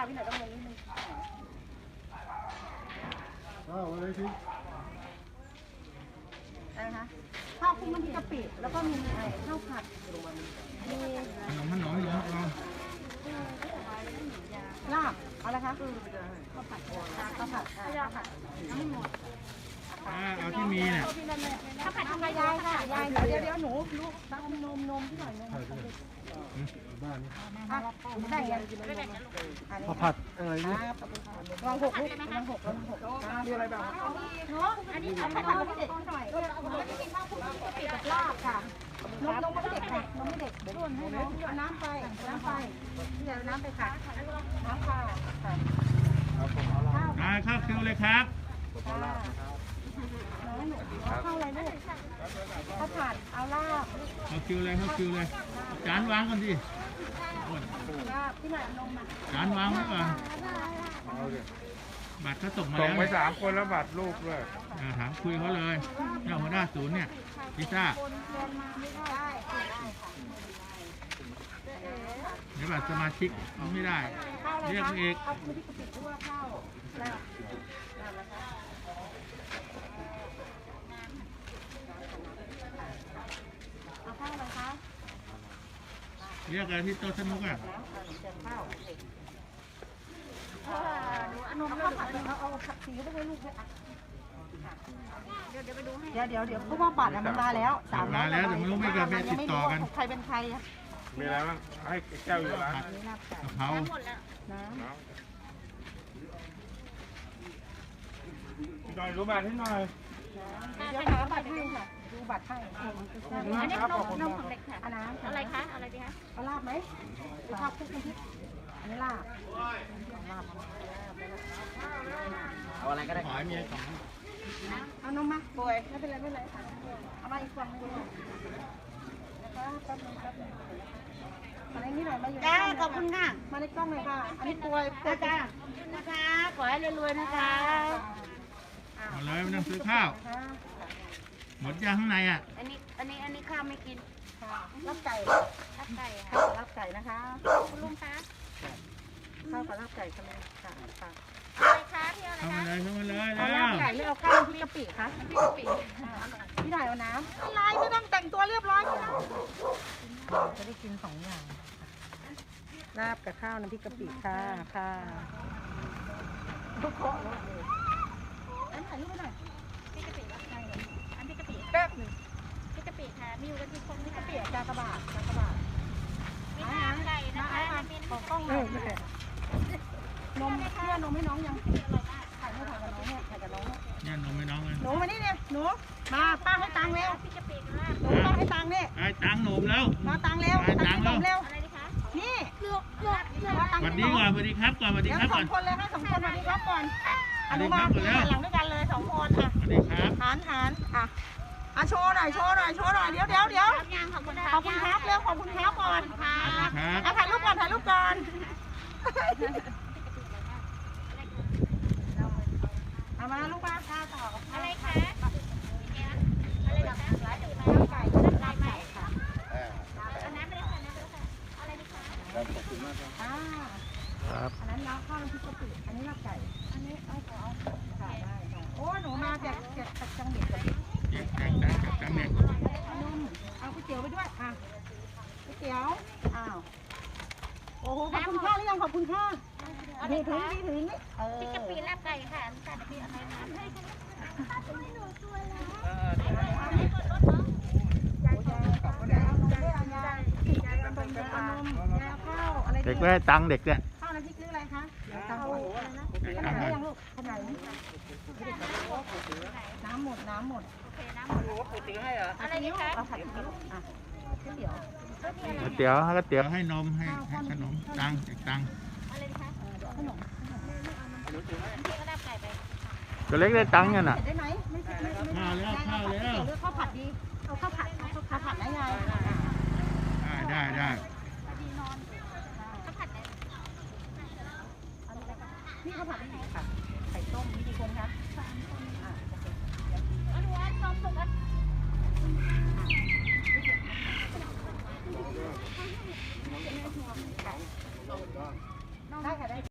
พี่หน่อยต้องลงนิดนึงอะไรสิอะไรคะข้าวคลุกน้ำพริกกะปิแล้วก็มีข้าวผัดมีขนมลาบเอาละคะข้าวผัดไม่หมดเอาที่มีเนี่ยข้าวผัดทำไงยายค่ะยายเดี๋ยวหนูลูกตั้งนมที่หน่อยนมบ้านนี้ได้ยังข้าวผัดอะไรเนี่ยลองหกลูกลองหกมีอะไรบ้างเนาะอันนี้ข้าวผัดไม่เด็กหน่อยไม่กินข้าวคลุกกะปิกับลาบค่ะนมไม่เด็กค่ะนมไม่เด็กส่วนให้น้ำไปเดี๋ยวน้ำไปค่ะน้ำค่ะเข้าคิวเลยครับข้าวอะไรลูกข้าวผัดเอาลาบเข้าคิวเลยจานวางก่อนดิลาบที่ไหนนมจานวางไว้ก่อนบัตรเขาส่งมาแล้วส่งไป3 คนแล้วบัตรลูกด้วยถามคุยเขาเลยเจ้าหัวหน้าศูนย์เนี่ยพิซซ่าเดี๋ยวบัตรสมาชิกเอาไม่ได้เรียกเอกเอามือที่กระปิดด้วยข้าวเอาข้าวอะไรคะเรียกอะไรที่โต๊ะสนุกอ่ะนมข้าวผัดเอาผัดสีไปให้ลูกด้วยเดี๋ยวไปดูให้เดี๋ยวเพราะว่าบัตรมันมาแล้วมาแล้วแต่ไม่รู้ไม่เกิดติดต่อกันใครเป็นใครมีอะไรบ้างให้แก้วอยู่ร้านกะเพราหน่อยรู้บัตรให้หน่อยเดี๋ยวหาบัตรให้ค่ะดูบัตรให้อันนี้นมของเด็กค่ะอะไรคะอะไรดีคะเอาลาบไหมข้าวคลุกน้ำพริกอันนี้ลาบเอาอะไรก็ได้ขอให้มีสองเอานมมาป่วยไม่เป็นไรเอามาอีกฝั่งนึงนะคะแป๊บนึงมาในนี้หน่อยมาอยู่จ้าขอบคุณค่ะมาในกล้องหน่อยค่ะอันนี้ป่วยจ้านะคะขอให้รวยๆนะคะเอาเลยไม่ต้องซื้อข้าวหมดยังข้างในอ่ะอันนี้ข้าวไม่กินรับไก่ค่ะรับไก่นะคะคุณลุงคะข้าวกับรับไก่ใช่ไหมค่ะอะไรคะพี่อะไรคะเข้ามาเลยเอาลาบไก่ไม่เอาข้าวพี่กะปิคะพี่กะปิพี่ถ่ายเอาน้ำอะไรไม่ต้องแต่งตัวเรียบร้อยนะจะได้กิน2 อย่างลาบกับข้าวน้ำพริกกะปิค่ะทุกคนอันถ่ายรูปไปหน่อยพี่กะปิรับใครอันพี่กะปิแป๊บนึงพี่กะปิค่ะมีอยู่กันที่คนพี่กะปิกากบาทมีน้ำไก่นะคะของกล้องเลยนมเพื่อนมให้น้องยังถ่ายกับน้องเนี่ยเนี่ยนมให้น้องเลยหนูมานี่เนี่ยหนูมาป้าให้ตังค์เร็วพี่กะปินะหนูป้าให้ตังค์เนี่ยไอ้ตังค์หนุ่มแล้วมาตังค์เร็วตังค์หนุ่มเร็วอะไรดีคะนี่สวัสดีก่อนสวัสดีครับก่อนสวัสดีครับก่อน 2 คนเลยให้2 คนสวัสดีครับก่อนอนุมาหลังด้วยกันเลย2 คนอ่ะสวัสดีครับหันอ่ะโชว์หน่อยเดี๋ยวขอบคุณครับเร็วขอบคุณครับก่อนค่ะถ่ายรูปก่อนเอามาลูกมาข้าวต่ออะไรคะอะไรแบบนั้นร้านดื่มน้ำไก่ไหมค่ะน้ำไม่ได้ค่ะอะไรดีคะขอบคุณมากครับอันนั้นข้าวน้ำพริกกะปิอันนี้ลาบไก่อันนี้เอาได้โอ้หนูมาจากจังเด็กจังเด็กเอาก๋วยเตี๋ยวไปด้วยก๋วยเตี๋ยวโอ้โหขอบคุณข้าหรือยังขอบคุณข้าถึงนี่พี่กะปิลาบไก่ค่ะแต่เดี๋ยวพี่เอาไปน้ำให้เด็กไม่ได้ตังค์เด็กเนี่ยข้าวน้ำพริกหรืออะไรคะข้าวอะไรนะขนาดยังลูกขนาดนี้น้ำหมดโอเคน้ำหมดก๋วยเตี๋ยวให้เหรออะไรนี่คะเอาผัดก๋วยเตี๋ยวก๋วยเตี๋ยวให้นมให้ขนมตังค์อะไรคะขนมพี่ก็ลาบไก่ไปตัวเล็กได้ตังค์เนี่ยน่ะได้ไหมไม่ข้าวแล้วข้าวผัดดีเอาข้าวผัดได้ไงได้ข้าวผัดไหนพี่ข้าวผัดได้ไหนค่ะไข่ต้มมีกี่คนคะอันนี้นมสุกได้ค่ะได้